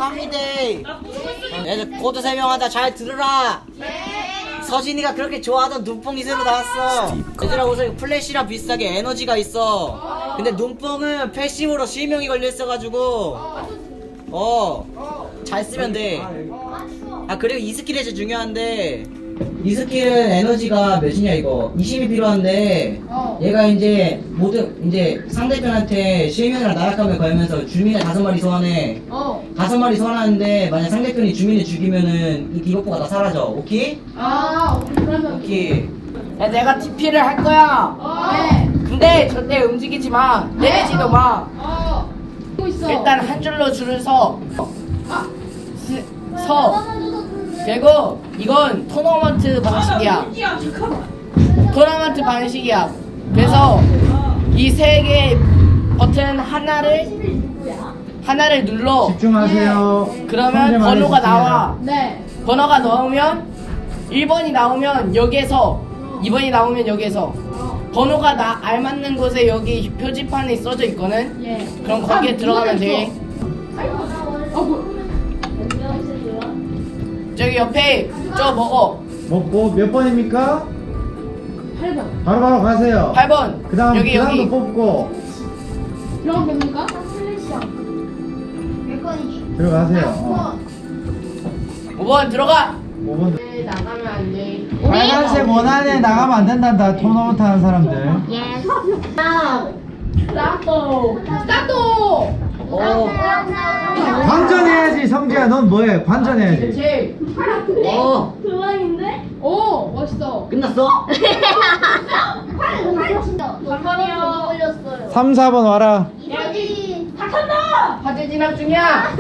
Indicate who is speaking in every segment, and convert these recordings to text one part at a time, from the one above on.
Speaker 1: 갑니다. 얘들 코드 설명한다. 잘 들으라. 서진이가 그렇게 좋아하던 눈뽕이 새로 나왔어. 얘들아, 우선 플래시랑 비슷하게 에너지가 있어. 근데 눈뽕은 패시브로 실명이 걸려있어가지고 잘 쓰면 돼. 아, 그리고 이 스킬이 제일 중요한데, 이 스킬은 에너지가 몇이냐 이거 20이 필요한데, 얘가 이제 이제 상대편한테 실명이랑 나락함을 걸면서 주민을 5마리 소환해. 5마리 소환하는데 만약 상대편이 주민을 죽이면은 이 디버프가 다 사라져. 오케이? 오케이.
Speaker 2: 야, 내가 TP를 할 거야. 근데 절대 움직이지 마. 내리지도 마. 일단 한 줄로 줄을 서. 그리고 이건 토너먼트 방식이야. 토너먼트 방식이야. 그래서 이 3개 버튼 하나를 눌러.
Speaker 3: 집중하세요.
Speaker 2: 그러면 번호가 나와.
Speaker 4: 네.
Speaker 2: 번호가 나오면 1번이 나오면 여기에서, 2번이 나오면 여기에서, 번호가 알맞는 곳에 여기 표지판에 써져 있거든.
Speaker 4: 예.
Speaker 2: 그럼 거기에 들어가면 돼. 저기 옆에 저 먹어.
Speaker 3: 몇 번입니까?
Speaker 4: 8번.
Speaker 3: 바로 가세요.
Speaker 2: 8번.
Speaker 3: 그 다음
Speaker 2: 여기 여기.
Speaker 3: 뽑고
Speaker 4: 들어가면 됩니까?
Speaker 3: 들어가세요.
Speaker 2: 5번 들어가.
Speaker 3: 5번.
Speaker 2: 나가면 안 돼.
Speaker 3: 빨간색 원안에 나가면 안 된단다. 토너먼트 하는 사람들.
Speaker 4: 스타트!
Speaker 3: 관전해야지. 성재야, 넌 뭐해? 관전해야지.
Speaker 2: 그렇지.
Speaker 4: 오, 멋있어.
Speaker 1: 끝났어?
Speaker 3: 3, 4번 와라.
Speaker 2: 화재 진압 중이야.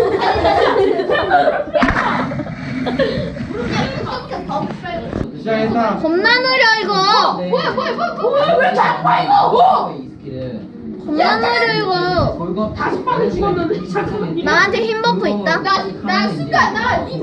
Speaker 3: 시작했다.
Speaker 5: 겁나 느려 이거.
Speaker 4: 왜 자꾸 봐, 이거!
Speaker 1: 이 스킬은
Speaker 5: 겁나 느려 이거.
Speaker 1: 골고
Speaker 4: 40번을 찍었는데, 잠깐만.
Speaker 5: 나한테 힘 버프 있다.
Speaker 4: 나 순간,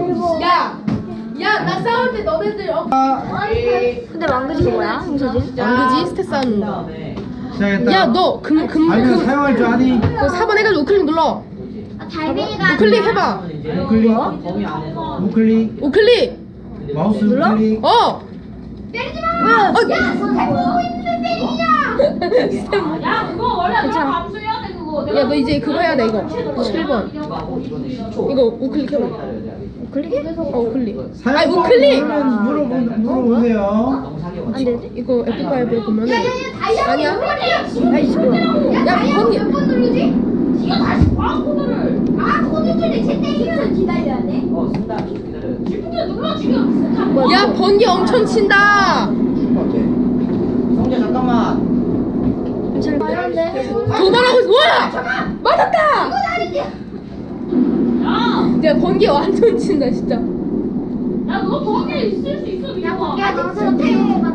Speaker 4: 야, 나 싸울 때 너네들,
Speaker 5: 근데 망그지가 뭐야? 홍서진?
Speaker 4: 망그지 스탯 쌓는 거.
Speaker 3: 시작했다.
Speaker 4: 야, 너,
Speaker 3: 알면 사용할 줄 아니?
Speaker 4: 4번 해가지고 우클릭 눌러.
Speaker 5: 달빈이가
Speaker 4: 우클릭 해봐.
Speaker 3: 우클릭.
Speaker 1: 범위 안에서
Speaker 3: 우클릭.
Speaker 4: 우클릭.
Speaker 3: 마우스 우클릭.
Speaker 4: 어!
Speaker 5: 때리지 마. 야, 보고 있는데 때리냐?
Speaker 4: 야, 그거 원래
Speaker 5: 괜찮아.
Speaker 4: 감수해야 돼, 그거. 야, 너 이제 그거 해야 돼, 이거. 7번. 이거 우클릭 해봐.
Speaker 5: 우클릭?
Speaker 4: 우클릭.
Speaker 3: 사용
Speaker 4: 우클릭!
Speaker 3: 물어보세요.
Speaker 5: 안 되지?
Speaker 4: 이거 F5에 보면은.
Speaker 5: 아니야.
Speaker 4: 야, 이씨, 뭐야. 야, 번이.
Speaker 5: 몇 번 누르지? 지가 다시 봐 코드를. 코드를 제 때리면 기다려야 돼.
Speaker 1: 쓴다. 기다려.
Speaker 5: 근데 눌러 지금.
Speaker 4: 야, 번개 엄청 친다.
Speaker 1: 성재 잠깐만.
Speaker 5: 잘하는데.
Speaker 4: 2번 하고 있어. 와! 맞았다!
Speaker 5: 이건 아니지.
Speaker 4: 야, 번개 완전 친다, 진짜.
Speaker 5: 야, 너 번개 있을 수 있어. 야, 번개 아직 태용해봐.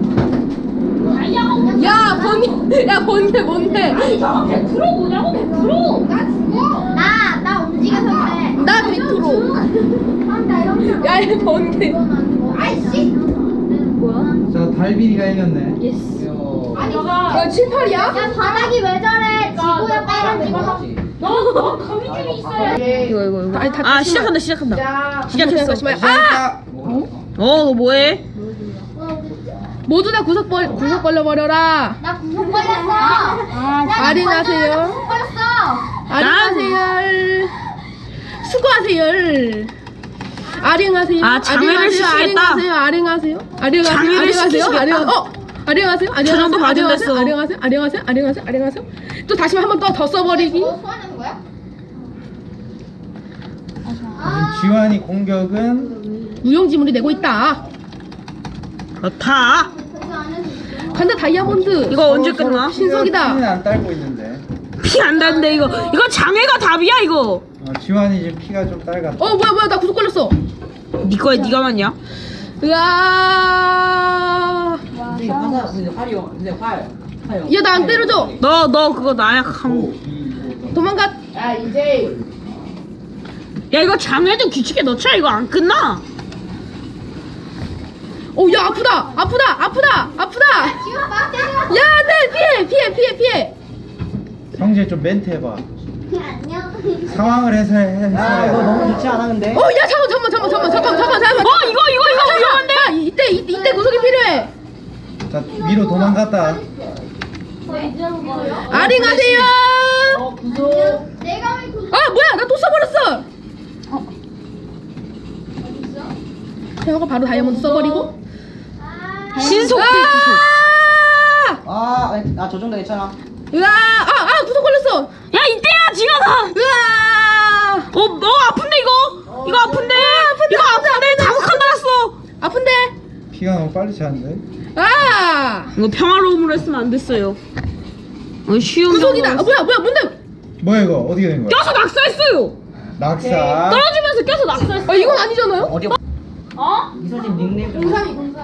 Speaker 4: 야, 번개 뭔데?
Speaker 5: 100% 뭐냐고 100%. 나 죽어. 나 움직여서 그래.
Speaker 4: 나 100%.
Speaker 5: 나 이런 거.
Speaker 4: 야, 얘 번개.
Speaker 5: 아이씨. 뭐야?
Speaker 3: 자, 달빈이가 이겼네.
Speaker 4: 예스.
Speaker 5: 아니,
Speaker 4: 야, 7, 8이야?
Speaker 5: 야 바닥이 왜 저래? 지구야 빨간 지구. 너 거미줄이 있어야 돼.
Speaker 4: 이거. 아니, 다
Speaker 6: 아 시작한다. 시작했어.
Speaker 4: 잠시만. 아!
Speaker 6: 너 뭐해?
Speaker 4: 모두 다 구석 벌려 버려라.
Speaker 5: 나 구속 걸렸어.
Speaker 4: 아린하세요.
Speaker 5: 구속 걸렸어.
Speaker 4: 아링하세요. 수고하세요. 아링하세요.
Speaker 6: 아, 장애를 시키겠다.
Speaker 4: 아링하세요.
Speaker 6: 장애를 시키시겠다.
Speaker 4: 아링하세요.
Speaker 6: 저 정도 가진댔어.
Speaker 4: 아링하세요. 또 다시 한 번 더 써버리기.
Speaker 5: 너 소환하는 거야?
Speaker 3: 지환이 공격은
Speaker 4: 무용지물이 내고 있다.
Speaker 6: 그렇다.
Speaker 4: 간다 다이아몬드.
Speaker 6: 이거 언제 끝나?
Speaker 4: 신석이다.
Speaker 3: 피는 안 딸고 있는데.
Speaker 6: 피 안 나는데 이거 장애가 답이야 이거.
Speaker 3: 지환이 지금 피가 좀 딸갔다.
Speaker 4: 뭐야 나 구속 걸렸어.
Speaker 6: 네 거에 네가 맞냐?
Speaker 4: 으아.
Speaker 1: 근데 활이요. 근데 활.
Speaker 4: 야 나 안 때려줘.
Speaker 6: 너 그거 나약함.
Speaker 4: 도망가.
Speaker 2: 야, 이제
Speaker 6: 야 이거 장애도 규칙에 넣자. 이거 안 끝나.
Speaker 4: 야 아프다.
Speaker 5: 지금 막 때려.
Speaker 4: 야, 네 피해.
Speaker 3: 성재 좀 멘트 해봐.
Speaker 5: 안녕.
Speaker 3: 상황을 해설해.
Speaker 1: 야 이거 너무 좋지 않아 근데?
Speaker 4: 야 잠깐만.
Speaker 6: 이거 위험한데?
Speaker 4: 야, 이때 구속이 필요해.
Speaker 3: 자 위로 도망갔다.
Speaker 4: 아리 가세요.
Speaker 5: 내가 왜 그?
Speaker 4: 아 뭐야 나 또 써버렸어. 태호가 바로 다이아몬드 써버리고.
Speaker 6: 신속딜 구속.
Speaker 1: 저 정도 괜찮아.
Speaker 4: 으아 구속 걸렸어.
Speaker 6: 야 이때야 지금.
Speaker 4: 으아
Speaker 6: 너 아픈데 이거? 이거 아픈데? 이거 아픈데? 자극한 달았어.
Speaker 4: 아픈데.
Speaker 3: 피가 너무 빨리 차는데.
Speaker 6: 이거 평화로움으로 했으면 안 됐어요. 쉬운
Speaker 4: 구속이다.
Speaker 6: 경우.
Speaker 4: 뭐야 뭔데?
Speaker 3: 뭐야 이거 어떻게 된 거야?
Speaker 6: 껴서 낙서했어요.
Speaker 3: 낙사.
Speaker 6: 떨어지면서 껴서 낙서했어.
Speaker 4: 이건 아니잖아요.
Speaker 1: 어디? 이서진 닉네임 좀.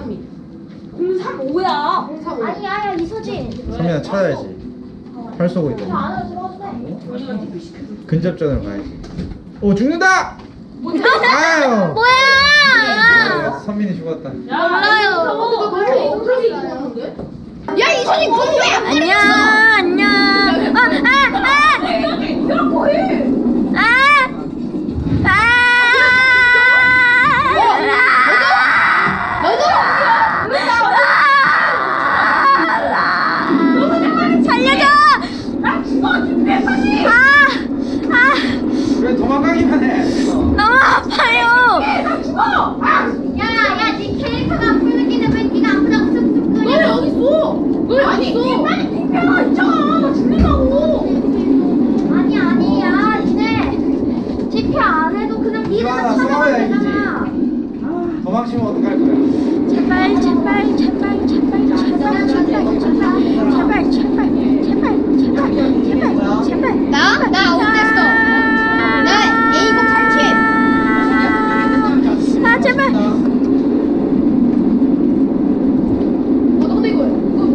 Speaker 6: 035야.
Speaker 5: 아니야 이서진.
Speaker 3: 선민아 찾아야지. 활 쏘고 있다.
Speaker 5: 안으로 들어가도 돼.
Speaker 3: 근접전으로 가야지. 오 죽는다. 아유.
Speaker 5: 뭐야?
Speaker 3: 선민이 죽었다.
Speaker 5: 몰라요.
Speaker 4: 야 이선이 공부해.
Speaker 5: 안녕.
Speaker 3: 왜 도망가기만 해?
Speaker 5: 야야 네 캐릭터가 아픈 느낌인데 왜 네가 아프다고 쓱쓱 거려?
Speaker 4: 너 여기 있어. 너 여기 있어.
Speaker 5: 빨리 비켜 있잖아. 나 죽는다고. 아니야 니네 집회 안 해도 그냥 니네가
Speaker 3: 이거나
Speaker 5: 찾아가면
Speaker 3: 싸워야
Speaker 5: 되잖아.
Speaker 3: 도망치면 어떡할 거야?
Speaker 5: 나 어땠어? 나 A0 37. 아 제발.
Speaker 4: 근데 이거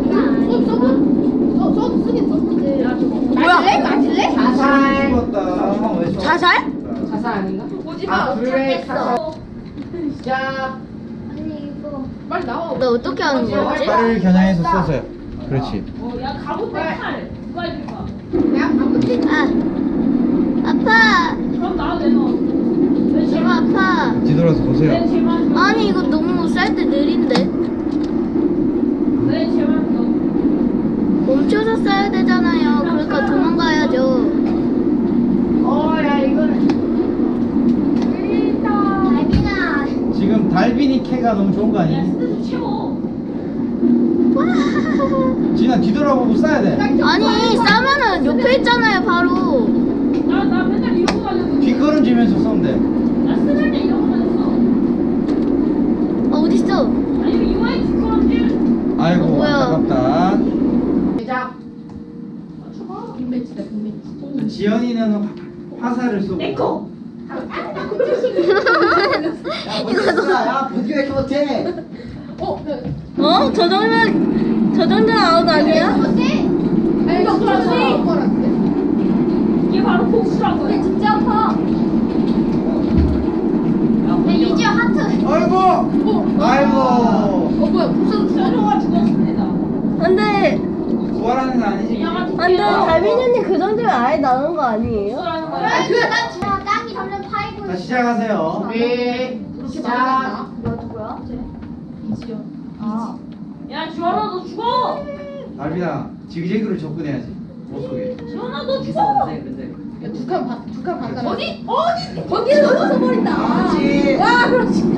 Speaker 4: 쓰긴 썼는데. 맞을래?
Speaker 3: 죽었다.
Speaker 4: 자살?
Speaker 2: 자살 아닌가?
Speaker 4: 오지마.
Speaker 5: 도착했어.
Speaker 2: 자.
Speaker 5: 아니 이거.
Speaker 4: 빨리 나와.
Speaker 5: 너 어떻게 하는 거지?
Speaker 3: 팔을 겨냥해서 쏘세요. 그렇지.
Speaker 6: 야 갑옷 팔. 누가 해줄 거야?
Speaker 5: 아 아파.
Speaker 6: 그럼 나도 내놔.
Speaker 5: 너무 아파.
Speaker 3: 뒤돌아서 보세요.
Speaker 6: 제발.
Speaker 5: 아니 이거 너무 쌀 때 느린데.
Speaker 6: 왜 제발 너.
Speaker 5: 멈춰서 쏴야 되잖아요. 그러니까 도망가야죠.
Speaker 2: 야 이거는.
Speaker 5: 달빈아.
Speaker 3: 지금 달빈이 캐가 너무 좋은 거 아니야?
Speaker 6: 채워.
Speaker 3: 진아 뒤돌아보고 쏴야 돼.
Speaker 5: 아니 싸면은 옆에 있잖아요 바로.
Speaker 6: 나 맨날 이러고 다녔어.
Speaker 3: 뒷걸음지면서 쏘면 돼.
Speaker 6: 나 쓰는 데 이러고 다녔어.
Speaker 5: 어딨어?
Speaker 6: 아니 이거에 뒷걸음질.
Speaker 3: 아이고
Speaker 5: 뭐야.
Speaker 3: 안타깝다.
Speaker 2: 시작.
Speaker 3: 지연이는 화살을 쏘고.
Speaker 6: 내꺼.
Speaker 1: 야 보디 왜 이렇게 못해?
Speaker 5: 저 정도는 아웃 아니야?
Speaker 6: 이게 바로 복수란 거야.
Speaker 5: 진짜 아파. 야 이지야 하트.
Speaker 3: 아이고.
Speaker 4: 뭐야?
Speaker 6: 서로가 죽었습니다.
Speaker 5: 안돼.
Speaker 3: 부활하는 거 아니지?
Speaker 5: 안돼. 달빈 언니 그 정도면 아예 나오는 거 아니에요?
Speaker 6: 복수라는 거야.
Speaker 5: 나 죽어. 땅이 점점 파이고
Speaker 3: 자 시작하세요.
Speaker 2: 시작.
Speaker 5: 누구야?
Speaker 6: 야 지원아 너 죽어.
Speaker 3: 달빈아 지그재그로 접근해야지. 못 속에.
Speaker 6: 지원아 너 죽어.
Speaker 4: 두칸 반다.
Speaker 6: 어디?
Speaker 4: 거기를 넘어서 버린다.
Speaker 1: 그렇지.
Speaker 4: 와 그렇지.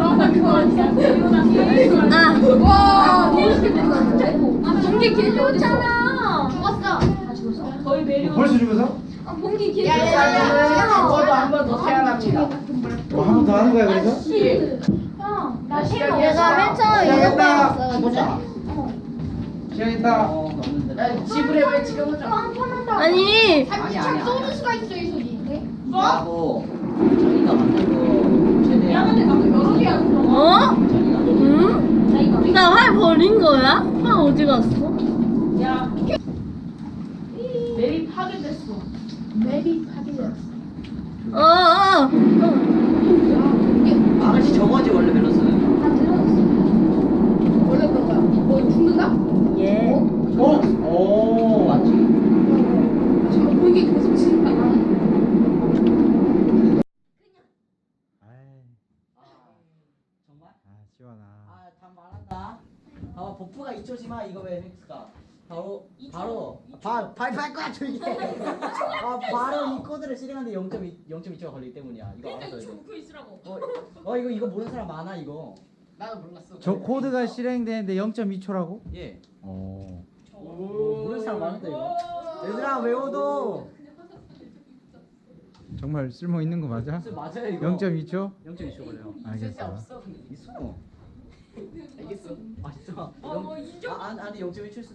Speaker 4: 와 멋있게 됐는데. 봉기 길이 어딨어?
Speaker 5: 죽었어.
Speaker 6: 거의 매력.
Speaker 3: 벌써 죽어서?
Speaker 4: 봉기 길이.
Speaker 2: 저도 한 번 더 태어납니다.
Speaker 3: 뭐 한 번 더 하는 거야 그래서?
Speaker 5: 나
Speaker 2: 시작했어.
Speaker 5: 내가 맨 처음에
Speaker 3: 시작했다.
Speaker 1: 죽었다.
Speaker 3: 시작했다.
Speaker 2: 지불에 왜 지금 하자.
Speaker 5: 아니
Speaker 1: 아니야.
Speaker 5: 쏘는 수가 있어 이 소리.
Speaker 1: 나고 저희가 만든 거 최대한.
Speaker 6: 근데 나도 여러 개야.
Speaker 5: 어? 응? 나 활 버린 거야? 활 어디 갔어?
Speaker 6: 야. 맵이 파괴됐어.
Speaker 5: 어.
Speaker 1: 아가씨 저거지 원래 멜로스는.
Speaker 4: 원래 그런 거야. 뭐 죽는다?
Speaker 5: 예.
Speaker 1: 오 맞지.
Speaker 4: 지금 봉기 계속 친다.
Speaker 3: 지원아.
Speaker 1: 아, 답 말한다. 버프가 2초지만 이거 왜 했을까? 발표할 거야 조용히 해. 바로 이 코드를 실행하는데 0.2초가 걸리기 때문이야. 이거 알아서 해.
Speaker 6: 그 있으라고.
Speaker 1: 이거 모르는 사람 많아 이거.
Speaker 2: 나도 몰랐어.
Speaker 3: 저 코드가 실행되는데 0.2초라고?
Speaker 1: 예.
Speaker 3: 오.
Speaker 1: 모르는 사람 많은데 이거. 얘들아 외워도.
Speaker 3: 정말 쓸모 있는 거 맞아?
Speaker 1: 맞아요 이거.
Speaker 3: 0.2초?
Speaker 1: 0.2초 걸려요.
Speaker 3: 알겠어.
Speaker 2: 없어.
Speaker 1: 있어.
Speaker 2: 알겠어.
Speaker 1: 아 진짜.
Speaker 6: 인정.
Speaker 1: 아니 0.1초